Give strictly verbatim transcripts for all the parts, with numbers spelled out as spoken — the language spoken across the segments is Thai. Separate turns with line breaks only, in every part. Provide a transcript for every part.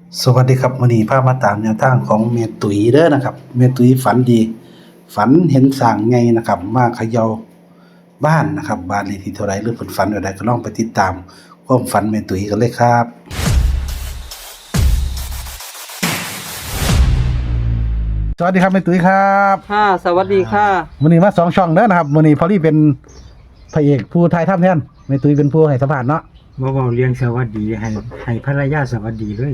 สวัสดีครับวันนี้พามาตามแนวทางของเมตุยเด้อนะครับเมตุยฝันดีฝันเห็นสร้างไงนะครับมาเขย่าบ้านนะครับบ้านเลขที่เท่าไรหรือเพิ่นฝันอะไรก็ลองไปติดตามความฝันเมตุยกันเลยครับสวัสดีครับเมตุยครับ
ค่ะสวัสดีค่ะ
วันนี้มาสองช่องเด้อนะครับวันนี้พอลี่เป็นพระเอกผู้ไทยทำแทนเมตุยเป็นผู้ให้สัมภาษณ์เนาะ
บ่เว้าเรียงสวัสดีให้ให้ภรรยาสวัสดีเลย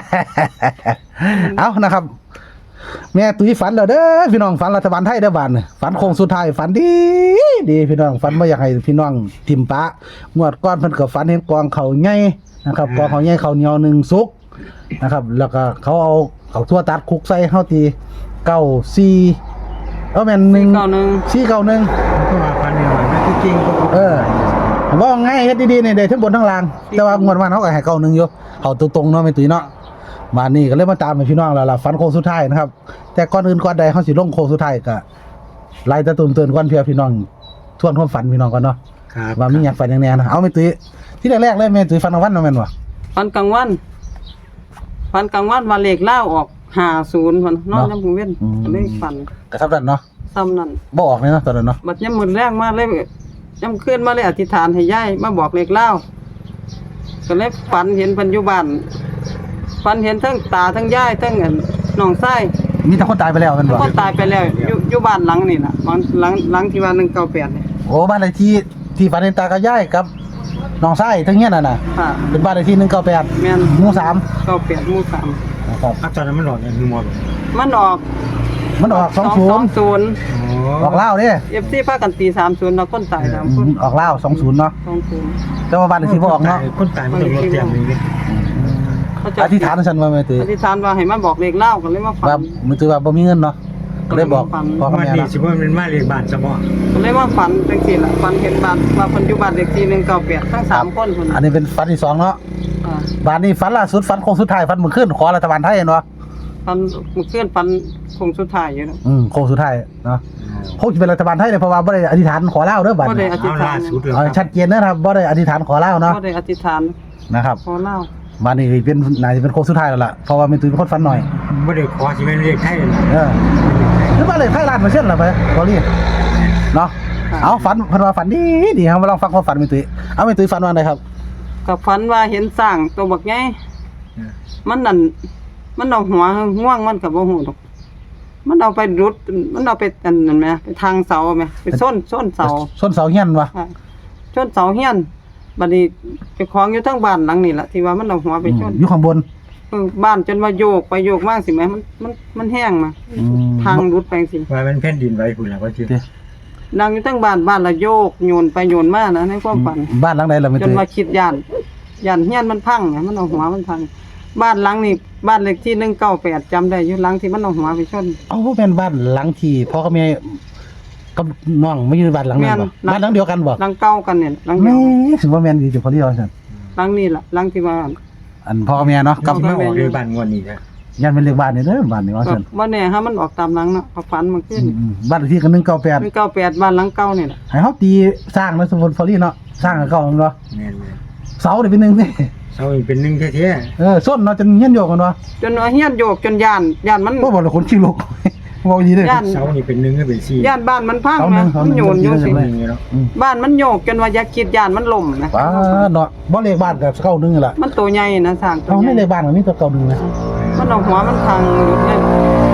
เอานะครับแม่ตุ้ยฝันแล้วเด้อพี่น้องฝันรัฐบาลไทยเด้อบ้านฝันโค้งสุดท้ายฝันดีดีพี่น้องฝันบ่อยากให้พี่น้องทิมปะงวดก้อนเพิ่นก็ฝันเห็นกองเขาใหญ่นะครับกองเขาใหญ่เขาเหนียวหนึ่งสุกนะครับแล้วก็เขาเอาเขาทั่วตัดคุกใส่เฮาตีเก้าสี่เอ้าแม่นหนึ่ง
เก้าหนึ่ง
สี่เก้าหนึ่ง
ก็ว่าพันหน่อยนะที่จริงก็
เออว่าไงเฮ็ดดีๆนี่ได้ทั้งบนทั้งล่างแต่ว่างวดวันเฮาก็ให้เก้าหนึ่งอยู่เขาตรงๆเนาะแม่ตุ้ยเนาะมานี่ก็เลยมาตามให้พี่น้องแล้วล่ะฝันโค้งสุดท้ายนะครับแต่ก่อนอื่นก่อนใดเฮาสิลงโค้งสุดท้ายก็ไล่ตะตุ่มเตือนก่อนเพื่อพี่น้องทวนความฝันพี่น้องก่อนเนาะ
ครับ
ว่ามีหยังฝันอย่างแน่นะเอาแม่ตุ้ยที่แรกๆเลยแม่ตุ้ยฝันกลางวันเนาะแม่นบ่
ฟันกลางวันฟันกลางวันมาเลขเล่าออกห้าศูนย์พันนอนยามมื้อเว้นก็เลยฝัน
ก็เท่านั้นเนาะ
ซ้ำนั่น
บ่ออกเลยเนาะตอนนั้นเนาะ
บัดยามมื้อแรกมาเลยยามคืนมาเลยอธิษฐานให้ยายมาบอกเลขเล่าก็เลยฝันเห็นเพิ่นอยู่บ้านฝันเห็นทั้งตาทั้งยายทั้งอันน้องชาย
มีแต่คนตายไปแล้วแม่นบ่
คนตายไปแล้วอยู่อยู่บ้านหลังนี่ล่ะบ้านหลังหลังที่ว่าหนึ่งเก้าแปดนี่
โอ้บ้านเลขที่ที่ฝันเห็นตากับยายกับน้องชายทั้งเฮียนน่ะน่ะ
ค่ะ
เป็นบ้านเลขที่หนึ่งเก้าแปด
แม่น
หมู่สาม
เก้าแปดหมู่สาม
นะครับ
อ่ะตอนนั้นมันหลอดเนี่ยคือหมด
มันออก
มันออกสองศูนย์
ศูนย์
อ๋อ
ออกลาวเด้
เอฟซีพากันตีสามศูนย์แล้วคนตายสาม
อื
คน
มออกลาวสองศูนย์เนาะ
สองศูนย์
แต่ว่าบ้านเลขที่บ่ออกเนาะ
คนตายมันต้องรถเต็มเลย
เขาจะ
อธิษฐานฉันว่าแม่ตุ้ย
อธิษฐานว่าให้มาบอกเลขเล่ากันเลยมาฝั
ว่าน มือตือว่าบ่มีเงินเนาะก็เลยบอกพ่อกับ
วัน
แม่
นี้
เนาะ
สิว่ามันมาเลขบ้านซะบ่
ก็เลยมาฝันจังซี่ล่ะฝันเห็นบ้านว่าเพิ่นอยู่บ้านเลขที่หนึ่งเก้าแปดทั้งสามคนเพิ่น
อันนี้เป็นฝันที่สองเนาะ
อ่า
บ้านนี้ฝันล่าสุดฝันโค้งสุดท้ายฝันมื้อคืนขอรัฐบาลไทยเนาะ
ฝันเมื่อคืนฝันคงสุดท้ายอยู่เนาะ
อืมโค้งสุดท้ายเนาะคงสิเป็นรัฐบาลไทยเลยเพราะว่าบ่ได้อธิษฐานขอลาวเด้อบัด
บ่ได้
นี้
อธิษ
เอา
ฐา
ล่าน สุดแล้ว
เอาชัดเจนนะครับบ่ได้อธิษฐานขอลาวเนาะ
บ่ได้อธิษฐาน
นะครับ
ขอเล่า
บ้านนี้เป็นน่าจะเป็นโค้งสุดท้ายแล้วล่ะเพราะว่าแม่ตุ้ยเป็นคนฝันหน่อย
บ่ได้ขอสิแม่นเลขไทยล่ะ
เออหรือว่าเลยไทยล้านเปอร์เซ็นต์ล่ะไปบ่รีเนาะเอาฝันเพิ่นว่าฝันดีดีครับมาลองฟังความฝันแม่ตุ้ยเอาแม่ตุ้ยฝันว่าไดครับ
ก็ฝันว่าเห็นสร้างตัวบักใหญ่มันนั่นมันเอาหัวง่วงมันก็บ่ฮู้ดอกมันเอาไปรุดมันเอาไปอันนั่นแหมไปทางเสาแหมไปส้นส้นเสา
ส้นเสาเฮียนวะ
ค่ะชนเสาเฮียนบัดนี้เจ้าของอยู่ทั้งบ้านหลังนี่ล่ะที่ว่ามันเอาหัวไปชน
อยู่ข้างบน
เออบ้านจนว่าโยกไปโยกมากสิแหมมันมันมันแห้งมา
อืม
ทางรุดไปสิ
ว่ามันแผ่นดินไหวพุ่นล่ะว่าสิ
เด้อ
ดังอยู่ทั้งบ้านบ้านละโยกโยนไปโยนมานะในความฝัน
บ้านหลังใดล่ะแม่
จน
ตุ้ย
ว่าคิดย่านย่านเฮียนมันพังเนี่ยมันเอาหัวมันพังบ้านหลังนี่บ้านเลขที่หนึ่งเก้าแปดจำได้อยู่หลังที่มันเอาหัวไปชน
เอ้าบ่แม่นบ้านหลังที่พ่อกับแม่กับน้องไม่อยู่บ้านหลังนั้นบ่
แม่น
บ้านหลังเดียวกันบ่
หลังเก่ากันเนี่ยหลังเดี
แม่
ยว
สิบ่แม่นดีจังพอดีว่าซั่น
หลังนี่ล่ะหลังที่ว่า
อันพ่อกับแม่เนาะ
กั
กั
บบ มาออกเลขบ้านงวดนี้นะ
ยันเป็นเลขบ้านนี่เด้อบ้านนี่ว่า
ก็
ซั่น
บ่แน่ฮะมันออกตามหลังเนาะเอาฝันมาขึ้น
อืมๆบ้านเลขที่ก็หนึ่งเก้าแปด
หนึ่งเก้าแปดบ้านหลังเก่านี่แหละ
ให้เฮาตีสร้างแล้วสมมุติพอดีเนาะสร้างกับเก่าแม่นบ่
แม่น
เสานี่เป็นหนึ่งนี่
ๆเซาอีกเป็นหนึ่งแท้
เออส้นเนาะจนเฮียนโยกกันบ่
จนว่าเฮียนโยกจนย่านย่านมัน
บ่บอกเลยคนขี้ลุกบ่ดีเด้อ
ย่าน
ๆเซานี่เป็นหนึ่งก็เป็นสี่
ย่านบ้านมันพัง
เอาหนึ่
นะ
งเอา
มัน
หนึ่ง
โยนอยู่สิ
เอาหนึ่ง
นี่เนาะ
อืม
บ้านมันโยกจนว่าอย่าคิดย่านมันล่มนะ
ป้าเนาะบ่เลขบ้านก็เก้าหนึ่งนี่ล่ะ
มันตัวใหญ่นะสร้างตัว
เอา
ให
ไม่เล
ญ่
ขบ้านมันมีตัวเก้าหนึ่งนะ
มันเอาหัวมันพังหยุดเลย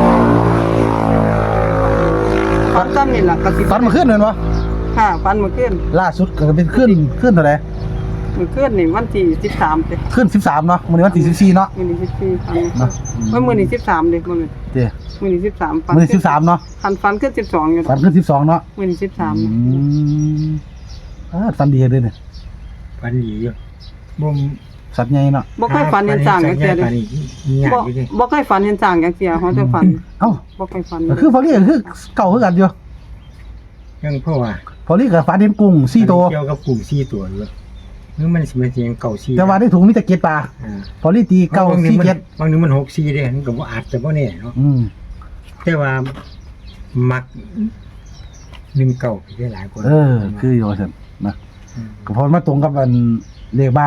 ฝันซ้ำนี่ล่ะก็สิ
ฝันเมื่อคืนนั่นบ่
ค่ะฝันเมื่อคืน
ล่าสุดก็เป็นขึ้นขึ้นเท่าไหร่
เมื่อคืนนี่วันที่สิบสามเด้
ขึ้นสิบสามเนาะมื้อนี้วันที่สิบสี่เนาะ
มื้อนี้สิบสี่ฝัน
เนาะ
เมื่อมื้อนี้สิบสามเด้มื้อนี้
เด้อ
มื้อนี้สิบสามฝัน
มื้อนี้สิบสามเนาะ
ฝันฝันขึ้นสิบสองอยู่
ฝันขึ้นสิบสองเนาะ
มื้อนี้สิบสาม
อืมอ่าฝันดีเด้อเนี่ย
พันดีอยู่บ่
สัตว์ใหญ่เนาะ
บ่เคยฝันเห็นสร้างจังซี่เด้
ปานนี้ยาก
บ่
อยู่เด้
บ่เคยฝันเห็นสร้างจังซี่เฮาจะฝัน
เอ้า
บ่เคยฝัน
ก็คือพอลี่ก็คือเก่าคือกันอยู่
ยังเพราะว่า
พอลี่ก็ฝันเห็นกุ้งสี่ตัว
เกี่ยวกับกลุ่มสี่ตัวอยู่หรือมันสิเป็นเสียงเก่าสี่
แต่ว่าในถุงมีแต่เกล็ดปลา
อ่า
พอลี่ตีเก้า
บางนึ
สี่
งมัน
เกล็ด
บางนึงมันหกสี่เด้มันก็บ่อาจจะบ่แน่เนาะ
อืม
แต่ว่ามักหนึ่งเก่าได้หลายกว่า
เออ คืออยู่ว่าซั่นนะก็เพอมาตรงกับอันเลขบ้าน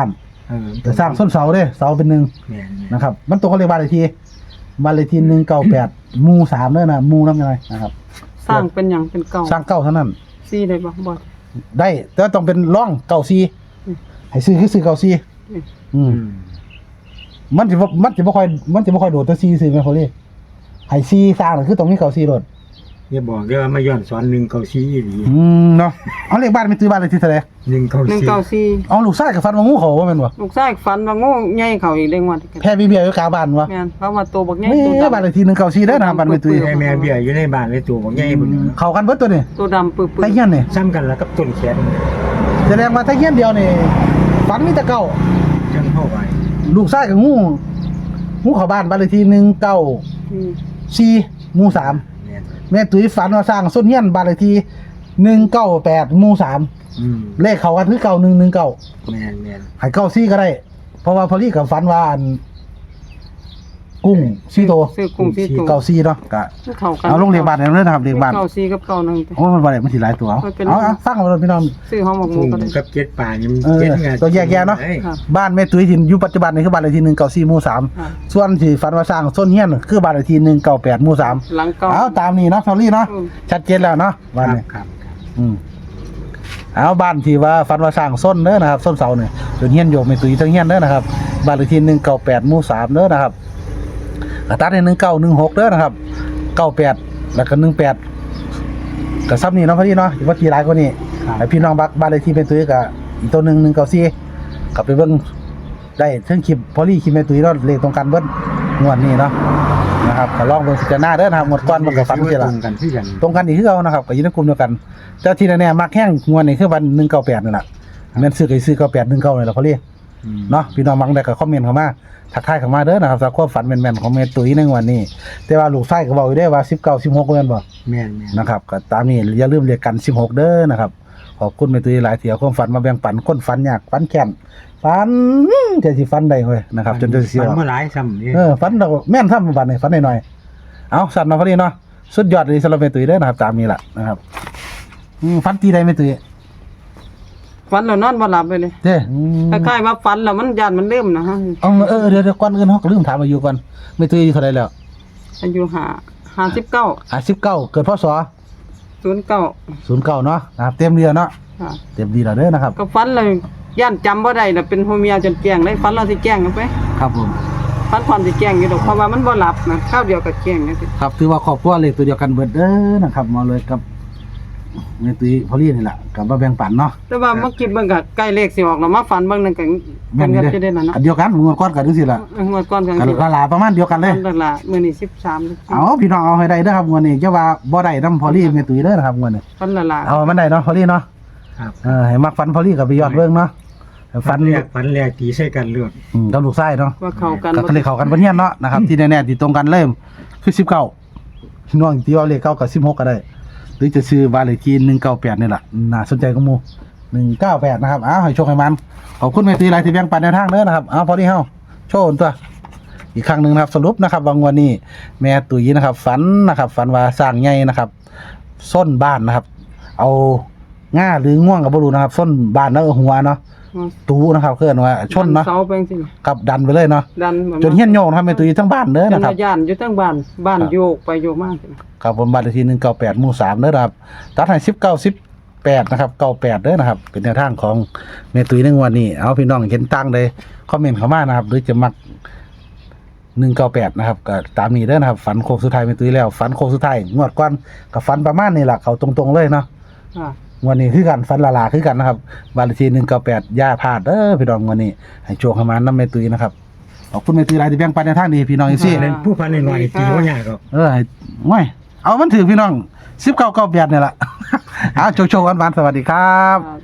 เออ
จะสร้างส้นเสาเด้เสาเป็นหนึ่ง
แม่นๆ
นะครับ มันตัวเขาเรียกบ้านเลขที่บ้านเลขที่หนึ่งเก้าแปดหมู่สามเด้อนะหมู่น้ำยังไงนะครับ
สร้างเป็นหยังเป็นเก่า
สร้างเก้าเท่านั้น
ซี่ได้บ่บ่
ได้แต่ต้องเป็นร่องเก้าซี
อืม
ให้ซื้อคือซื้อเก้าซี
อืม
อืม
อืม
มันจะบ่มันจะบ่ค่อยมันจะบ่ค่อยโดดแต่ซีซื้อแม่นเขาเรียกให้ซีสร้างน่ะคือต้องมีเก้าซีโดด
อย่าบอกเด้อว่ามาย้อนสอนหนึ่งเก้าสี่อีหลี
อืมเนาะเอาเลขบ้านไปตื้อบ้านเลขที่เท่าไหร่
หนึ่งเก้า
หนึ่ง
สี่
เก้าสี่
เอาลูกชายกับฟันมางูเขาว่าแม่นบ่
ลูกชายฝันว่างูใหญ่เข้าอีกได้งวดกัน
แพ้มีเบียอยู่กลางบ้านวะ
แม่นเพราะว่าตัวบักใหญ่
ไม่
ตัว
บ้าน
ดำ
เลขที่หนึ่งเก้าซีเด้อนะครับบ้านไปตื้อ
ให้แม่เบี้ยอยู่ในบ้านเลยตัวบอกใหญ่พุ่น
เข้ากันเบิดตัวนี่
ตัวดำปื้อ
ไตเฮียนนี่
ซ้ำกันแล้วกับต้นแขน
แสดงว่าไตเฮียนเดียวนี่ฝันมีแต่เก่า
จังเข้าไป
ลูกชายกับงูงูเข้าบ้านบ้านเลขที่หนึ่งเก้า
ๆอืม
สี่หมู่สาม
แม่น
แม่ตุ้ยฝันว่าสร้างส้นเฮียนบ้านเลขที่หนึ่งเก้าแปดหมู่สาม
อืม
เลขเขากันคือเก้าหนึ่งหนึ่งเก้า
แม่นแม่น
ให้เก้าซี่ก็ได้ เพราะว่าพอลี่กับฝันว่าอันกุ้งซี่โต
ซื้อกุ้งซี่ตัว
เก้าซี่เนาะก็
เข้ากัน
เอาลงเรียงบ้านเนี่ยนะครับเรียงบ้าน
เก้าสี่กับเก้าหนึ่งไป
โอ้มันบ่ได้มันสิหลายตัวเอา
มันเป็น
เอาเอาฟังเอาเลยพี่น้อง
ซื้อหอมหมกหมู
กุ้ง
ก็ได้
กับเจ็ดป่านี่มัน
เออ
เจ็ดงาน
ตัวแยกแยะเนาะ
อ้
ค่ะ
บ้านแม่ตุ้ยที่อยู่ปัจจุบันนี่คือบ้านเลขที่หนึ่งเก้าสี่หมู่สาม
ค่ะ
ส่วนที่ฝันว่าสร้างส้นเฮียนคือบ้านเลขที่หนึ่งเก้าแปดหมู่สาม
หลังเก้า
เอาตามนี้เนาะพอลี่เนาะ
อืม
ชัดเจนแล้วเนาะ
ค
บ้าน
รับ
นี้
ครับครับ
อืมเอาบ้านที่ว่าฟันว่าสร้างส้นเด้อนะครับส้นเสาเนี่ยจนเฮียนโยมไม่ตุยทั้งเฮียนเด้อนะครับบ้านเลขที่หนึ่งเก้าแปดหมู่สามเด้อนะครับกระตัดในหนึ่งเก้าหนึ่งหกเด้อนะครับเก้าแปดแล้วก็หนึ่งแปดกับซับนี่เนาะพอดีเนาะว่าทีหลายกว่านี้
ครับ
ไอพี่น้องบักบ้านเลขที่เป็นตุยกับอีกตัวหนึ่งหนึ่งเก้าสี่กลับไปเบิ่งได้เทั้งคลิปพอลี่คลิปแม่ตุยเนาะเลขตรงกันเบิ้งวดนี้เนาะนะครับก็ลองเบิ่งพิจารณาเด้อนะครับงวดก่อนมันก็ฟัน
ที่
ที่
ต
ละ
รงกันที่กัน
ตรงกันอีกคือเอานะครับก็อยู่ในกลุ่มเดียวกันแต่ที่แน่ๆมักแห้งงวดนี่คือวันหนึ่งเก้าแปดนี่แหละแม่นซื้อก็ซื้อเก้าแปดหนึ่งเก้านี่แหละเขาเรียก
อืม
เนาะพี่น้องมังได้ก็คอมเมนต์เข้ามาทักทายเข้ามาเด้อนะครับจากความฝันแม่นๆของแม่ตุ้ยในงวันนี้ แต่ว่าลูกชายก็บอกอยู่ได้ว่าสิบเก้า สิบหกเดือนบ่
แม่นแม่น
นะครับก็ตามนี้อย่าลืมเรียกกันสิบหกเด้อนะครับขอบคุณแม่ตุ้ยหลายเที่ยวความฝันมาแบ่งปันคนฝันยากฝันแค้นฝันจะสิฝันได้เว้ยนะครับจนจะเสีย
มันเมื่อหลายซ้ำนี่
เออฝันดอกแม่นทำบัดนี่ฝันหน่อยๆเอาสั่นเนาะพอดีเนาะสุดยอดเลยสำหรับแม่ตุ้ยเด้อนะครับตามนี้ล่ะนะครับอืมฝันตีได้แม่ตุ้ย
ฝันแล้วนอนบ่หลับเลยเลย
เด้อืม
คล้ายๆว่าฝันแล้วมันยานมันลืมนะฮะ
เอาเออเดี๋ยวเดี๋ยวก่อนอื่นเฮาก็ลืมถามอายุก่อนแม่ตุ้ยอายุเท่าไหร่แล้ว
อายุห้าห้าสิบเก้า
อ่ะสิบเก้าเกิดพศ
ศูนย์เก้า
ศูนย์เก้าเนาะนะครับเต็มเดียวเนาะ
ค่ะ
เต็มดีแล้วเด้อนะครับ
ก็ฝันเลยย่านจำบ่ได้น่ะเป็นหัวเมียจนแจ้งได้ฝันเราสิแจ้งกันไป
ครับผม
ฝันความสิแจ้งอยู่ดอกเพราะว่ามันบ่หลับนะข้าวเดียวก็แจ้งจังซี่
ครับถือว่าครอบครัวเลขตัวเดียวกันเบิดเด้อนะครับมาเลยกับแม่ตุ้ยพอลี่นี่แหละกับมาแบ่งปันเนาะ
แต่ว่าเมื่อกี้เบิ่งก็ใกล้เลขสิออกแล้วมาฝันเบิ่งนั่นก็กันก็จะได้นั่นเนาะ
อันเดียวกันงวดก่อนกันจังซี่ล่ะ
งวดก่อนกัน
กัน
สิ
ละลาประมาณเดียวกันเลย
นั่นล่ะมื้อนี้สิบสาม
เอาพี่น้องเอาให้ได้เด้อครับงวดนี้จะว่าบ่ได้นำพอลี่แม่ตุ้ยเด้อนะครับงวดนี้
ฝันละล่ะ
เอามันได้เนาะพอลี่เนาะ
ครับ
เออให้มักฟันพอลี่กับไปยอดเบิ่งเนาะให้
ฝั
ฟั
น
น
แรกฝันแรกตีใส่กันเลือด
อืมกับลูกชายเนาะ
ว่าเข้ากัน
ก็เลยเข้ากันบ่เฮียนเนาะนะครับที่แน่ๆที่ตรงกันเลยคือสิบเก้าพี่น้องที่ว่าเลขเก้ากับสิบหกก็ได้ หรือจะซื้อบ้านเลขที่หนึ่งเก้าแปดนี่แหละน่าสนใจก็มูหนึ่งเก้าแปดนะครับอ้าวให้โชคให้มันขอบคุณแม่ตีหลายที่แบ่งปันแนวทางเด้อนะครับอ้าวพอดีเฮาโชว์ตัวอีกครั้งหนึ่งนะครับสรุปนะครับวันวันนี้แม่ตุ๋ยนะครับฝันนะครับฝันว่าสร้างใหญ่นะครับส้นบ้านนะครับ เอาง่าหรือง่วงกับบรูนะครับส้นบ้านแล้วเอาหัวเนาะตูนะครับเคลื่อนว่าชนเนาะ
เสาไปจังซี่
กับดันไปเลยเนาะ
ดัน
จนเฮี้ยนโยงนะครับแม่ตุ๋ยทั้งบ้านเด้อ
จน
นะครับ
ย่านอยู่ทั้งบ้านบ้านโยกไปโยกมาจัง
ครับผมบ้านเลขที่หนึ่งเก้าแปดหมู่สามเด้อนะครับตัดให้สิบเก้าสิบแปดนะครับเก้าแปดเด้อนะครับเป็นแนวทางของเมตุยในงวันนี้เอาพี่น้องเห็นตั้งเลยคอมเมนต์เข้ามานะครับหรือจะมักหนึ่งเก้าแปดนะครับก็ตามนี้เด้อนะครับฝันโค้งสุดท้ายเมตุยแล้วฝันโค้งสุดท้ายงวดก่อนกับฝันประมาณนี้แหละเขาตรงๆเลยเนาะ
ค่ะ
งวันนี้คือกันฝันละลาคือกันนะครับบ้านเลขที่หนึ่งเก้าแปดย่าพลาดเด้อพี่น้องงวันนี้ให้โชคให้มาน้ำเมตุยนะครับขอบคุณเมตุยหลายที่แบ่งปันในวทางดีพี่น้องอีซี่
เป็นผู้พันหน่อยๆตีว่ายากหรอก
เออให้ง่อยเอามันถือพี่น้องสิบเก้าเก้าแปดเนี่ยแหละ เอาโชว์ๆกันหวานๆสวัสดีครับ
อ่า